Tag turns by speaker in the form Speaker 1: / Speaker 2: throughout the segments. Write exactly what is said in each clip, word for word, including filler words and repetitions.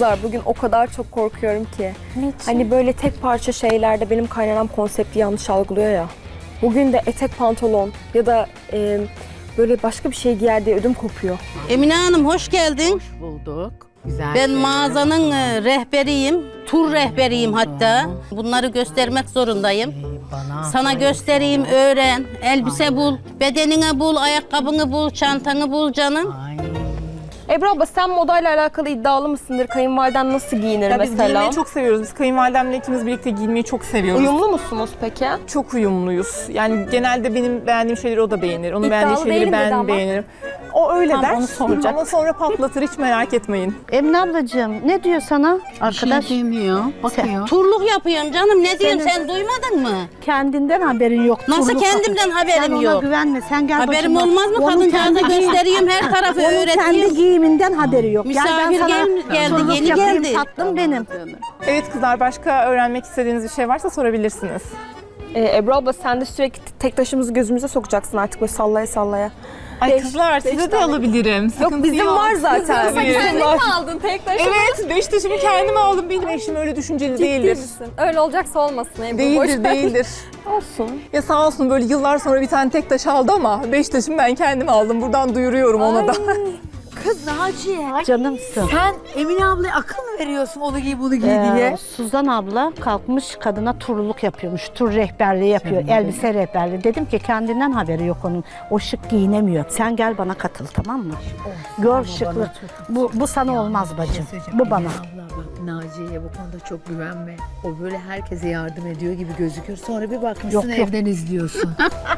Speaker 1: Kızlar bugün o kadar çok korkuyorum ki. Niçin? Hani böyle tek parça şeylerde benim kaynanam konsepti yanlış algılıyor ya. Bugün de etek pantolon ya da e, böyle başka bir şey giyer diye ödüm kopuyor.
Speaker 2: Emine Hanım hoş geldin.
Speaker 3: Hoş bulduk. Güzel.
Speaker 2: Ben mağazanın e, rehberiyim. Tur rehberiyim hatta. Bunları göstermek zorundayım.
Speaker 3: Bana
Speaker 2: Sana göstereyim, öğren. Elbise bul, bedenine bul, ayakkabını bul, çantanı bul canım.
Speaker 3: Ay.
Speaker 1: Ebru abla sen modayla alakalı iddialı mısındır? Kayınvaliden nasıl giyinir
Speaker 4: Ya biz
Speaker 1: mesela?
Speaker 4: giyinmeyi çok seviyoruz. Biz kayınvalidemle ikimiz birlikte giyinmeyi çok seviyoruz.
Speaker 1: Uyumlu musunuz peki?
Speaker 4: Çok uyumluyuz. Yani genelde benim beğendiğim şeyleri o da beğenir. Onun
Speaker 1: İddialı
Speaker 4: beğendiği şeyleri
Speaker 1: değilim dedi
Speaker 4: ben
Speaker 1: ama.
Speaker 4: beğenirim. O öyle
Speaker 1: Tam
Speaker 4: der
Speaker 1: onu soracaktım.
Speaker 4: ama sonra patlatır, hiç merak etmeyin.
Speaker 5: Emine ablacığım ne diyor sana arkadaş?
Speaker 3: Bir şey demiyor. Bakıyor.
Speaker 2: Turluk yapıyorum canım. Ne diyeyim sen duymadın mı?
Speaker 5: Kendinden haberin yok.
Speaker 2: Nasıl
Speaker 5: turluk
Speaker 2: kendimden
Speaker 5: yapıyor.
Speaker 2: haberim
Speaker 5: Sen ona
Speaker 2: yok?
Speaker 5: güvenme. Sen gel
Speaker 2: Haberim
Speaker 5: başıma.
Speaker 2: olmaz mı?
Speaker 5: Onun
Speaker 2: Kadıncağıza
Speaker 5: kendi giyim-
Speaker 2: göstereyim, her tarafı
Speaker 5: Onun kendi
Speaker 2: öğreteyim.
Speaker 5: giyiminden haberi yok.
Speaker 2: Misafir
Speaker 5: Gel ben sana
Speaker 2: gel- geldi,
Speaker 5: turluk
Speaker 2: yeni
Speaker 5: yapayım,
Speaker 2: geldi.
Speaker 5: tatlım benim.
Speaker 4: Evet kızlar, başka öğrenmek istediğiniz bir şey varsa sorabilirsiniz.
Speaker 1: Ee, Ebru abla sen de sürekli tek taşımızı gözümüze sokacaksın artık böyle sallaya sallaya.
Speaker 4: Ay
Speaker 1: Beş-
Speaker 4: kızlar,
Speaker 1: beş
Speaker 4: size de
Speaker 1: tane.
Speaker 4: alabilirim.
Speaker 1: Yok
Speaker 4: Sıkıntı
Speaker 1: bizim
Speaker 4: yok.
Speaker 1: var zaten.
Speaker 4: Tabii.
Speaker 1: Sen mi aldın tek taşımı?
Speaker 4: Evet, beş taşımı kendim aldım. Benim eşim öyle düşünceli değildir.
Speaker 1: Öyle olacaksa olmasın Ebru. boş
Speaker 4: Değildir,
Speaker 1: ver.
Speaker 4: değildir.
Speaker 1: Olsun.
Speaker 4: Ya sağ olsun böyle yıllar sonra bir tane tek taş aldı ama beş taşımı ben kendim aldım. Buradan duyuruyorum ona da.
Speaker 3: Kız Naciye.
Speaker 5: Canımsın.
Speaker 3: Sen Emine ablaya akıl mı veriyorsun onu giy bunu giy
Speaker 5: Ee,
Speaker 3: diye?
Speaker 5: Suzan abla kalkmış kadına turluk yapıyormuş. Tur rehberliği yapıyor. Elbise rehberliği. Dedim ki kendinden haberi yok onun. O şık giyinemiyor. Sen gel bana katıl tamam mı? Gör şıklık. Bu, bu sana olmaz bacım. Bu bana.
Speaker 6: Abla bak Naciye'ye bu konuda çok güvenme. O böyle herkese yardım ediyor gibi gözüküyor. Sonra bir bakmışsın
Speaker 5: Yok, yok.
Speaker 6: evden izliyorsun.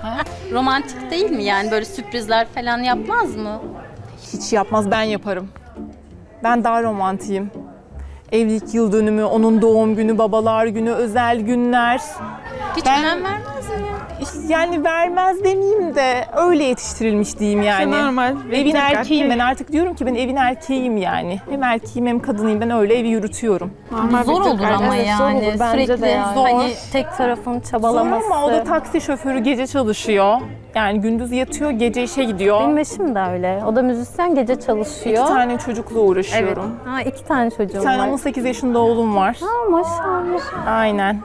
Speaker 7: Romantik değil mi yani böyle sürprizler falan yapmaz mı?
Speaker 4: Hiç yapmaz, ben yaparım. Ben daha romantiyim. Evlilik yıl dönümü, onun doğum günü, babalar günü, özel günler.
Speaker 7: Hiç
Speaker 4: Ben-
Speaker 7: önem vermez mi ya?
Speaker 4: Yani vermez demeyeyim de öyle yetiştirilmiş diyeyim yani.
Speaker 8: normal.
Speaker 4: Evin erkeğiyim ben, artık diyorum ki ben evin erkeğiyim yani. Hem erkeğim hem kadınıyım, ben öyle evi yürütüyorum.
Speaker 7: Zor olur ama
Speaker 1: Evet, zor
Speaker 7: yani
Speaker 1: olur bence
Speaker 7: sürekli
Speaker 1: de yani.
Speaker 7: hani tek tarafın
Speaker 4: Zor
Speaker 7: çabalaması.
Speaker 4: ama o da taksi şoförü, gece çalışıyor. Yani gündüz yatıyor, gece işe gidiyor.
Speaker 7: Benim eşim de öyle. O da müzisyen, gece çalışıyor.
Speaker 4: İki tane çocukla uğraşıyorum.
Speaker 7: Ha, iki tane çocuğum
Speaker 4: Bir tane
Speaker 7: var.
Speaker 4: on sekiz yaşında oğlum var.
Speaker 7: Ha, maşallah.
Speaker 4: Aynen.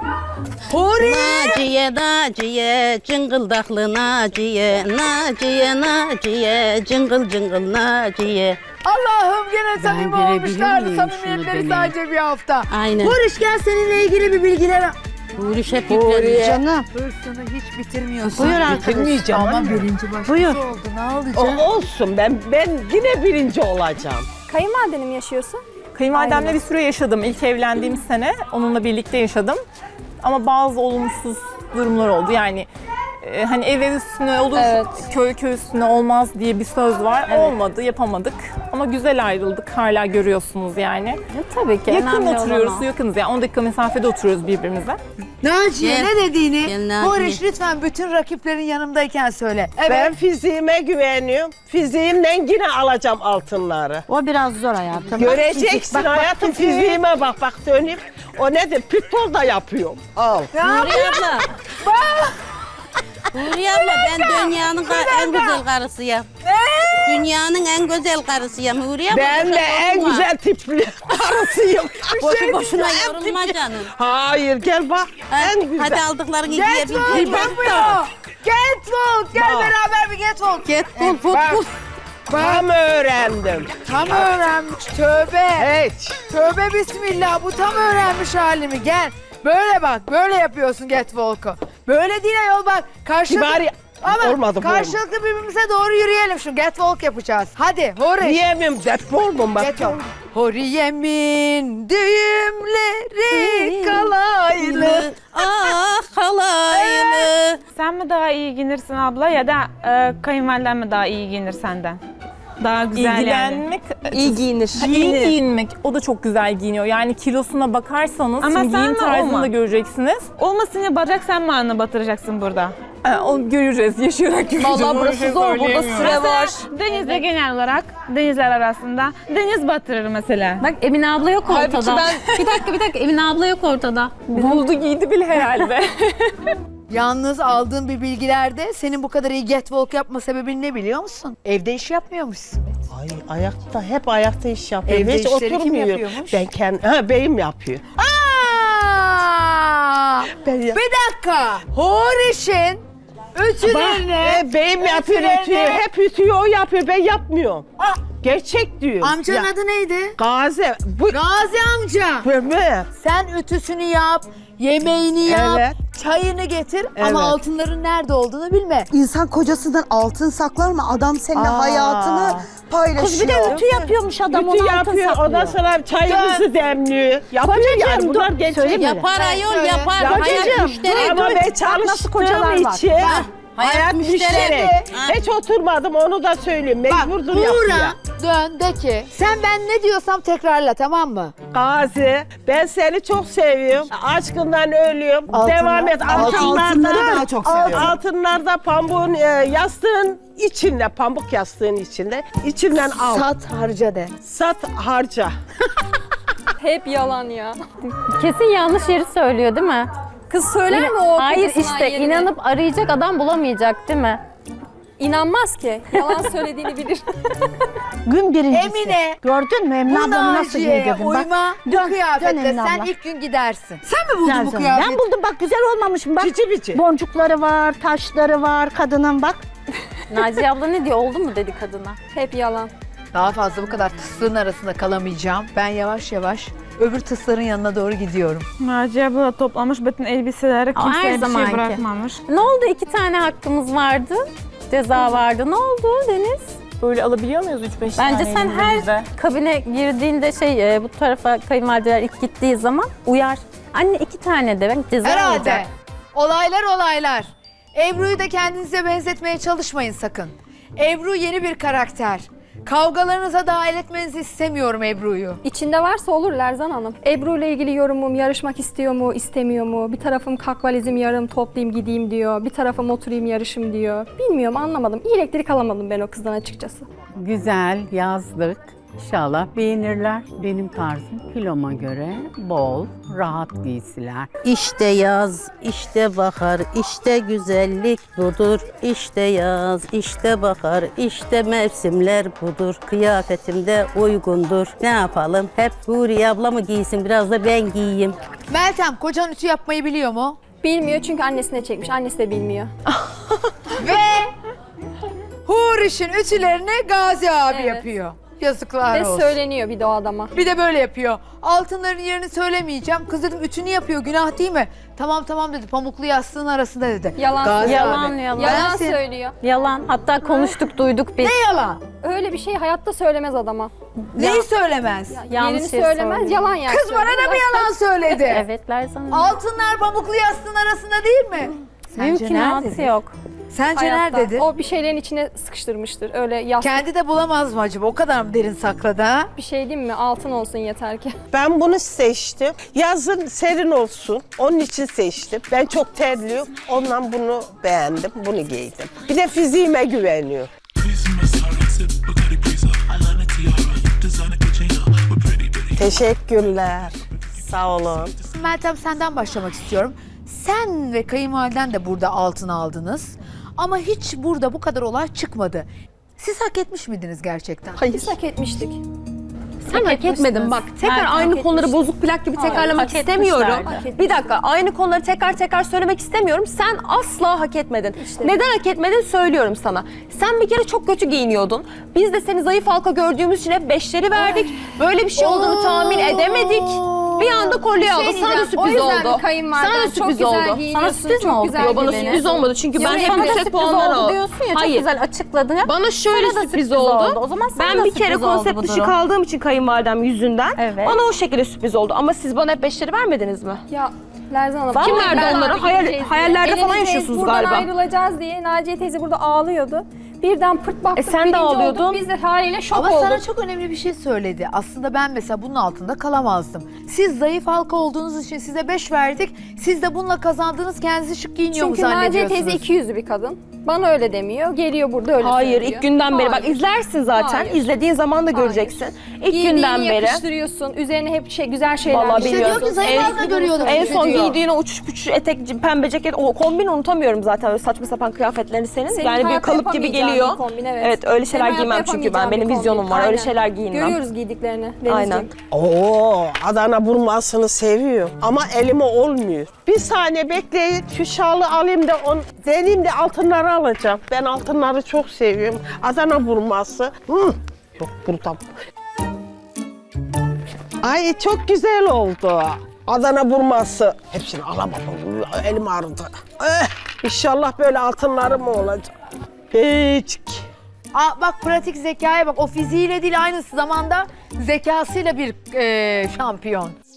Speaker 2: Naciye, Naciye, cıngıldaklı Naciye, Naciye, Naciye, cıngıl cıngıl Naciye.
Speaker 3: Allah'ım gene samimi
Speaker 6: girebilir
Speaker 3: olmuşlardı
Speaker 6: miyim
Speaker 3: samimiyetleri
Speaker 6: şunu
Speaker 3: sadece bir hafta.
Speaker 2: Aynen.
Speaker 3: Barış gel seninle ilgili bir bilgiler al.
Speaker 2: Huriş hep yüklemiş.
Speaker 5: Canım.
Speaker 3: Hırsını hiç bitirmiyorsun.
Speaker 5: Buyur arkadaş.
Speaker 3: Bitirmeyeceğim ama birinci başkası
Speaker 5: Buyur.
Speaker 3: oldu ne alacak?
Speaker 9: O olsun, ben ben yine birinci olacağım.
Speaker 1: Kayınvalideni mi yaşıyorsun?
Speaker 4: Kayınvalidemle bir süre yaşadım. İlk evlendiğim sene onunla birlikte yaşadım. Ama bazı olumsuz durumlar oldu. Yani e, hani ev ev üstüne olur,
Speaker 1: Evet.
Speaker 4: köy köy üstüne olmaz diye bir söz var. Olmadı, yapamadık. Ama güzel ayrıldık. Hala görüyorsunuz yani.
Speaker 7: Ya, tabii ki.
Speaker 4: Yakın
Speaker 7: önemli olan
Speaker 4: oturuyoruz,
Speaker 7: o.
Speaker 4: yakınız. Yani on dakika mesafede oturuyoruz birbirimize.
Speaker 3: Naciye
Speaker 2: Gel.
Speaker 3: ne dediğini
Speaker 2: Gel Naciye.
Speaker 3: Barış lütfen bütün rakiplerin yanımdayken söyle. Evet.
Speaker 9: Ben fiziğime güveniyorum. Fiziğimden yine alacağım altınları.
Speaker 5: O biraz zor hayatım. Bak,
Speaker 9: Göreceksin
Speaker 5: fizik, bak, bak,
Speaker 9: hayatım,
Speaker 5: fiziği.
Speaker 9: fiziğime bak bak söyleyeyim. O nedir? Pitbull da yapıyorum. Al.
Speaker 2: Huriye abla. Huriye abla ben dünyanın ka- en güzel karısıyım. Dünyanın en güzel karısıyım Huriye abla.
Speaker 9: Ben de
Speaker 2: boşuna
Speaker 9: en
Speaker 2: yorulma.
Speaker 9: güzel tipli karısıyım.
Speaker 2: Boşu boşuna yorulma canım.
Speaker 9: Hayır gel bak. En güzel.
Speaker 2: Hadi aldıklarını
Speaker 3: Catwalk
Speaker 2: giyebiliriz.
Speaker 3: yapıyor. Catwalk gel
Speaker 9: Bak.
Speaker 3: beraber bir catwalk.
Speaker 2: Get bul put
Speaker 3: Bak.
Speaker 2: bul.
Speaker 9: Tam öğrendim.
Speaker 3: Tam öğrenmiş tövbe.
Speaker 9: Hiç.
Speaker 3: Tövbe bismillah bu tam öğrenmiş halimi gel. Böyle bak böyle yapıyorsun catwalk'u. Böyle değil ayol bak. Karşılıklı,
Speaker 9: Kibari
Speaker 3: ama
Speaker 9: olmadı bu.
Speaker 3: karşılıklı birbirimize doğru yürüyelim şu catwalk yapacağız. Hadi hori.
Speaker 9: Diyemem, Deadpool mu bak.
Speaker 3: Catwalk. Horiyemin düğümleri kalaylı.
Speaker 2: Ah halaylı.
Speaker 8: Sen mi daha iyi giyinirsin abla ya da e, kayınvaliden mi daha iyi giyinir senden? Daha güzel yani.
Speaker 4: İlgilenmek,
Speaker 1: İyi giyinir.
Speaker 4: Ha, iyi giyinmek, o da çok güzel giyiniyor. Yani kilosuna bakarsanız,
Speaker 8: Ama
Speaker 4: şimdi
Speaker 8: sen
Speaker 4: giyim
Speaker 8: de
Speaker 4: tarzını
Speaker 8: olma.
Speaker 4: da göreceksiniz.
Speaker 8: Olmasın ya bacak sen mi anı batıracaksın burada?
Speaker 4: Ha, o göreceğiz, yaşayarak göreceğiz.
Speaker 1: Vallahi
Speaker 4: Onu
Speaker 1: burası
Speaker 4: şey
Speaker 1: zor, burada
Speaker 4: söyleyemiyorum.
Speaker 1: süre var.
Speaker 8: Denizde genel olarak denizler arasında deniz batırır mesela.
Speaker 7: Bak Emine abla yok ortada.
Speaker 1: Halbuki
Speaker 7: Bir dakika bir dakika Emine abla yok ortada.
Speaker 4: Buldu giydi bile herhalde.
Speaker 3: Yalnız aldığım bir bilgilerde senin bu kadar iyi catwalk yapma sebebin ne biliyor musun? Evde iş yapmıyormuşsun.
Speaker 9: Ay ayakta, hep ayakta iş yapıyor.
Speaker 3: Evde
Speaker 9: Hiç
Speaker 3: işleri kim
Speaker 9: oturmuyor.
Speaker 3: yapıyormuş?
Speaker 9: Ben kendi, ha beyim yapıyor.
Speaker 3: Aa!
Speaker 9: Ben ya-
Speaker 3: Bir dakika. Horiş'in ütülerini...
Speaker 9: E, beyim yapıyor,
Speaker 3: ütülerini-
Speaker 9: ütüyor. Hep ütüyor, o yapıyor. Ben yapmıyorum.
Speaker 3: Ah!
Speaker 9: Gerçek diyor.
Speaker 3: Amcanın
Speaker 9: Ya,
Speaker 3: adı neydi?
Speaker 9: Gazi. Bu
Speaker 3: Gazi amca.
Speaker 9: mi?
Speaker 3: Sen ütüsünü yap, yemeğini yap,
Speaker 9: Evet.
Speaker 3: çayını getir
Speaker 9: Evet.
Speaker 3: ama altınların nerede olduğunu bilme.
Speaker 10: İnsan kocasından altın saklar mı? Adam seninle
Speaker 9: Aa.
Speaker 10: hayatını paylaşıyor.
Speaker 5: Kız bir de ütü yapıyormuş adam,
Speaker 9: Ütü
Speaker 5: onu altın
Speaker 9: yapıyor,
Speaker 5: saklıyor.
Speaker 9: ondan sonra çayımızı demliyor. Yapıyor yani, bunlar
Speaker 5: dur,
Speaker 9: gerçek.
Speaker 5: söyleme.
Speaker 2: Yapar ayol
Speaker 3: söyle.
Speaker 2: yapar.
Speaker 9: Ya
Speaker 2: Hayat
Speaker 9: kocacığım,
Speaker 2: müşterek.
Speaker 9: ama ben
Speaker 5: nasıl
Speaker 9: çalıştığım
Speaker 5: kocalar var.
Speaker 9: için
Speaker 2: Ha,
Speaker 9: hayat,
Speaker 2: hayat
Speaker 9: müşterek.
Speaker 2: müşterek. Ha.
Speaker 9: Hiç oturmadım, onu da söyleyeyim.
Speaker 3: Bak
Speaker 9: Mecburdur
Speaker 3: Buğra
Speaker 9: yapmaya.
Speaker 3: dön de ki sen ben ne diyorsam tekrarla, tamam mı?
Speaker 9: Gazi, ben seni çok seviyorum. Aşkından ölüyorum.
Speaker 3: Altınlar-
Speaker 9: Devam et.
Speaker 10: altınları
Speaker 9: Altınlarda,
Speaker 10: daha çok seviyorum.
Speaker 9: altınlarda pamuğun, e, yastığın içinde, pamuk yastığın içinde. İçinden al. Sat,
Speaker 3: Sat harca de.
Speaker 9: harca.
Speaker 1: Hep yalan ya.
Speaker 7: Kesin yanlış yeri söylüyor değil mi?
Speaker 1: Kız söyler mi o?
Speaker 7: Hayır
Speaker 1: kocasından
Speaker 7: işte
Speaker 1: yerine?
Speaker 7: inanıp arayacak adam bulamayacak değil mi?
Speaker 1: İnanmaz ki. Yalan söylediğini bilir.
Speaker 5: Gün birincisi.
Speaker 3: Emine,
Speaker 5: Gördün mü Emine
Speaker 3: Bu
Speaker 5: ablamı nasıl
Speaker 3: Naciye'ye
Speaker 5: giydirdim? Bak,
Speaker 3: uyma bu
Speaker 5: dön, dön
Speaker 3: kıyafetle
Speaker 5: Emine
Speaker 3: sen
Speaker 5: abla.
Speaker 3: ilk gün gidersin. Sen mi buldun
Speaker 5: Güzel
Speaker 3: bu
Speaker 5: canım.
Speaker 3: kıyafeti?
Speaker 5: Ben buldum bak, güzel olmamış mı? Bak
Speaker 9: Bici bici.
Speaker 5: boncukları var, taşları var kadının bak.
Speaker 7: Naciye abla ne diyor? Oldu mu dedi kadına.
Speaker 1: Hep yalan.
Speaker 3: Daha fazla bu kadar tıslığın arasında kalamayacağım. Ben yavaş yavaş öbür tısların yanına doğru gidiyorum.
Speaker 8: Naciye abla toplamış bütün elbiseleri,
Speaker 7: Aa,
Speaker 8: kimseye
Speaker 7: her
Speaker 8: bir şey
Speaker 7: zamanki.
Speaker 8: bırakmamış.
Speaker 7: Ne oldu? İki tane hakkımız vardı. Ceza vardı. Ne oldu Deniz?
Speaker 4: Böyle alabiliyor muyuz üç beş tane
Speaker 7: Bence sen her
Speaker 4: elimize?
Speaker 7: kabine girdiğinde şey e, bu tarafa kayınvalideler ilk gittiği zaman uyar. Anne iki tane de ben ceza
Speaker 3: Herhalde.
Speaker 7: alacak.
Speaker 3: Olaylar olaylar. Ebru'yu da kendinize benzetmeye çalışmayın sakın. Ebru yeni bir karakter. Kavgalarınıza dahil etmenizi istemiyorum Ebru'yu.
Speaker 1: İçinde varsa olur Lerzan Hanım. Ebru ile ilgili yorumum yarışmak istiyor mu, istemiyor mu? Bir tarafım kalk valizim yarım toplayayım gideyim diyor. Bir tarafım oturayım yarışım diyor. Bilmiyorum, anlamadım. İyi elektrik alamadım ben o kızdan açıkçası.
Speaker 11: Güzel yazlık. İnşallah beğenirler. Benim tarzım kiloma göre bol, rahat giysiler.
Speaker 2: İşte yaz, işte bahar, işte güzellik budur. İşte yaz, işte bahar, işte mevsimler budur. Kıyafetim de uygundur. Ne yapalım? Hep Huriye abla mı giysin, biraz da ben giyeyim.
Speaker 3: Meltem, kocan ütü yapmayı biliyor mu?
Speaker 1: Bilmiyor çünkü annesine çekmiş. Annesi de bilmiyor.
Speaker 3: Ve Huriş'in ütülerini Gazi abi
Speaker 1: Evet.
Speaker 3: yapıyor. Yazıklar
Speaker 1: Ve
Speaker 3: olsun.
Speaker 1: söyleniyor bir de o adama.
Speaker 3: Bir de böyle yapıyor. Altınların yerini söylemeyeceğim. Kız dedim ütünü yapıyor, günah değil mi? Tamam tamam dedi, pamuklu yastığın arasında dedi.
Speaker 1: Yalan
Speaker 3: Gazi
Speaker 1: söylüyor.
Speaker 7: Yalan,
Speaker 3: abi.
Speaker 7: yalan.
Speaker 1: Yalan
Speaker 3: Ben sen-
Speaker 1: söylüyor.
Speaker 7: Yalan. Hatta konuştuk, duyduk biz.
Speaker 3: Ne yalan?
Speaker 1: Öyle bir şey hayatta söylemez adama.
Speaker 3: Neyi söylemez?
Speaker 7: Yanlış
Speaker 1: Yerini
Speaker 7: şey
Speaker 1: söylemez,
Speaker 7: söylüyor.
Speaker 1: yalan yani.
Speaker 3: Kız bana da mı yalan söyledi?
Speaker 7: Evet Lerzan Hanım.
Speaker 3: Altınlar pamuklu yastığın arasında değil mi? Sence
Speaker 7: Mümkünatı
Speaker 3: nerededir?
Speaker 7: yok.
Speaker 3: Sence
Speaker 1: Hayatta.
Speaker 3: nerededir?
Speaker 1: O bir şeylerin içine sıkıştırmıştır. Öyle yastık
Speaker 3: Kendi de bulamaz mı acaba? O kadar mı derin sakladı ha?
Speaker 1: bir şey değil mi? Altın olsun yeter ki.
Speaker 9: Ben bunu seçtim. Yazın serin olsun. Onun için seçtim. Ben çok terliyorum. Ondan bunu beğendim. Bunu giydim. Bir de fiziğime güveniyorum. Teşekkürler. Sağ olun.
Speaker 3: Meltem, senden başlamak istiyorum. Sen ve kayınvaliden de burada altın aldınız. Ama hiç burada bu kadar olay çıkmadı. Siz hak etmiş miydiniz gerçekten?
Speaker 1: Biz hak etmiştik.
Speaker 12: Sen hak etmedin bak. Tekrar
Speaker 1: Meltem
Speaker 12: aynı
Speaker 1: hak
Speaker 12: konuları
Speaker 1: etmişti.
Speaker 12: bozuk plak gibi
Speaker 7: Hayır,
Speaker 12: tekrarlamak
Speaker 7: hak
Speaker 12: istemiyorum.
Speaker 7: etmişlerdi.
Speaker 12: Bir dakika, aynı konuları tekrar tekrar söylemek istemiyorum. Sen asla hak etmedin. Neden hak etmedin söylüyorum sana. Sen bir kere çok kötü giyiniyordun. Biz de seni zayıf halka gördüğümüz için hep beşleri verdik. Böyle bir şey olduğunu tahmin edemedik. Bir anda kolye aldı. Sana da
Speaker 1: O
Speaker 12: sürpriz
Speaker 1: yüzden
Speaker 12: oldu.
Speaker 1: mi kayınvaliden
Speaker 12: Sana da
Speaker 1: çok
Speaker 12: sürpriz
Speaker 1: güzel
Speaker 12: oldu.
Speaker 1: giyiniyorsun,
Speaker 7: Sana sürpriz mi
Speaker 1: çok
Speaker 7: oldu?
Speaker 1: güzel
Speaker 12: Yo, bana
Speaker 1: giyiniyorsun.
Speaker 12: sürpriz olmadı çünkü ben
Speaker 7: Yok,
Speaker 12: hem
Speaker 7: bana da
Speaker 12: yüksek
Speaker 7: sürpriz
Speaker 12: puanlar
Speaker 7: oldu
Speaker 12: aldım.
Speaker 7: diyorsun ya, çok
Speaker 12: Hayır.
Speaker 7: güzel açıkladın.
Speaker 12: Bana şöyle
Speaker 7: Sana da
Speaker 12: sürpriz,
Speaker 7: sürpriz
Speaker 12: oldu.
Speaker 7: oldu. O zaman sana
Speaker 12: ben
Speaker 7: da
Speaker 12: bir kere
Speaker 7: sürpriz oldu
Speaker 12: konsept
Speaker 7: bu
Speaker 12: dışı
Speaker 7: durum.
Speaker 12: kaldığım için kayınvalidem yüzünden
Speaker 7: Evet.
Speaker 12: bana o şekilde sürpriz oldu. Ama siz bana hep beşleri vermediniz mi?
Speaker 1: Ya Lerzan Hanım.
Speaker 12: Kim
Speaker 1: vallahi
Speaker 12: verdi
Speaker 1: ben
Speaker 12: onları?
Speaker 1: abi
Speaker 12: Hayal-
Speaker 1: gideceğiz diye.
Speaker 12: hayallerde falan
Speaker 1: Elinizdeyiz,
Speaker 12: yaşıyorsunuz
Speaker 1: buradan
Speaker 12: galiba.
Speaker 1: ayrılacağız diye Naciye teyze burada ağlıyordu. Birden pırt baktık,
Speaker 12: E sen de
Speaker 1: birinci
Speaker 12: ağlıyordun.
Speaker 1: olduk. Biz de haliyle şok
Speaker 3: Ama
Speaker 1: olduk.
Speaker 3: sana çok önemli bir şey söyledi. Aslında ben mesela bunun altında kalamazdım. Siz zayıf halka olduğunuz için size beş verdik. Siz de bununla kazandığınız kendinizi şık giyiniyor mu
Speaker 1: Çünkü Naciye
Speaker 3: zannediyorsunuz?
Speaker 1: teyze iki yüzlü bir kadın.
Speaker 13: Bana öyle demiyor. Geliyor burada öyle
Speaker 1: Hayır,
Speaker 13: söylüyor.
Speaker 1: ilk günden beri. Bak
Speaker 13: Hayır.
Speaker 1: izlersin zaten.
Speaker 13: Hayır.
Speaker 1: İzlediğin zaman da göreceksin. İlk
Speaker 13: Giydiğini
Speaker 1: günden beri.
Speaker 13: yakıştırıyorsun. Üzerine hep şey güzel şeyler
Speaker 1: Vallahi
Speaker 3: İşte
Speaker 1: bilmiyorum.
Speaker 3: diyor ki Zayıf Halka görüyordum.
Speaker 1: En son
Speaker 3: diyor.
Speaker 1: giydiğin o uçuş puçuş etek, pembe ceket, o kombini unutamıyorum zaten öyle saçma sapan kıyafetlerini senin.
Speaker 13: Senin
Speaker 1: yani bir
Speaker 13: hayatta
Speaker 1: kalıp gibi
Speaker 13: yapamayacağın
Speaker 1: geliyor.
Speaker 13: bir kombin, evet.
Speaker 1: Evet öyle
Speaker 13: Senin
Speaker 1: şeyler
Speaker 13: hayatta
Speaker 1: giymem çünkü ben.
Speaker 13: yapamayacağın
Speaker 1: Benim
Speaker 13: bir
Speaker 1: vizyonum
Speaker 13: kombin.
Speaker 1: var. Öyle
Speaker 13: Aynen.
Speaker 1: şeyler giyinmem.
Speaker 13: Görüyoruz giydiklerini Denizciğim.
Speaker 1: Aynen.
Speaker 9: Oo, Adana burmasını seviyor ama elime olmuyor. Bir saniye bekleyin, şu şalı alayım da on, deneyim de altınları alacağım. Ben altınları çok seviyorum. Adana burması. Hı. Yok burada. Ay çok güzel oldu. Adana burması. Hepsini alamam. Elim ağrıdı. Eh, İnşallah böyle altınlarım olacak. Hiç.
Speaker 3: Aa, bak pratik zekaya bak. O fiziğiyle değil aynı zamanda zekasıyla bir e, şampiyon.